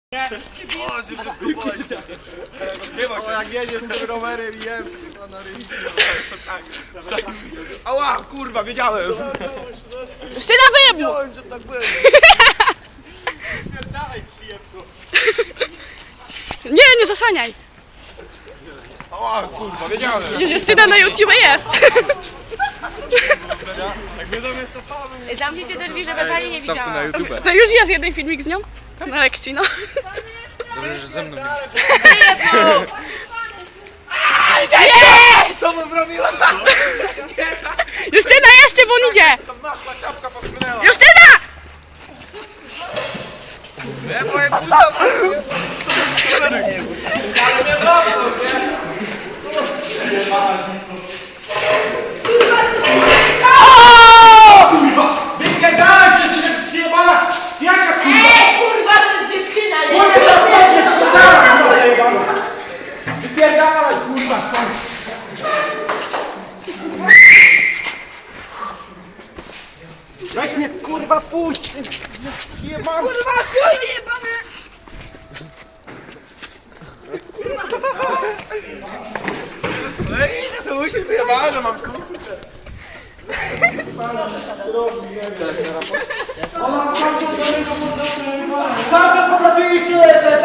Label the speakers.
Speaker 1: O, się wszystko boli. O, jak jedzie z tym rowerem i jem na rynku. Tak. Ała, kurwa, wiedziałem.
Speaker 2: Syna wyjebł!
Speaker 1: Wiedziałem, że tak będzie.
Speaker 2: Nie zasłaniaj!
Speaker 1: Ała, kurwa, wiedziałem.
Speaker 2: Przecież Justyna na YouTube jest!
Speaker 1: Jak my sobie cofamy.
Speaker 2: Zamknijcie drzwi, żeby pani nie widziała.
Speaker 1: na YouTube.
Speaker 2: No już jest jeden filmik z nią. Na lekcji, no.
Speaker 1: Dobrze, że ze mną
Speaker 2: Jest!
Speaker 1: Co mu zrobiła?
Speaker 2: Justyna jeszcze, bo on idzie!
Speaker 1: Tam naszła czapka popchnęła.
Speaker 2: Justyna!
Speaker 1: Ja powiem,
Speaker 3: Wypierdalać się, że przyjebana! Jaka kurwa?
Speaker 4: Kurwa, to jest dziewczyna, nie?
Speaker 3: Wypierdalać kurwa stąd! Weź mnie kurwa puść! Przyjebana!
Speaker 4: Kurwa, chuj jebany!
Speaker 1: to musi wyjebała, że mam kurczę.
Speaker 3: Cały czas podlatuje się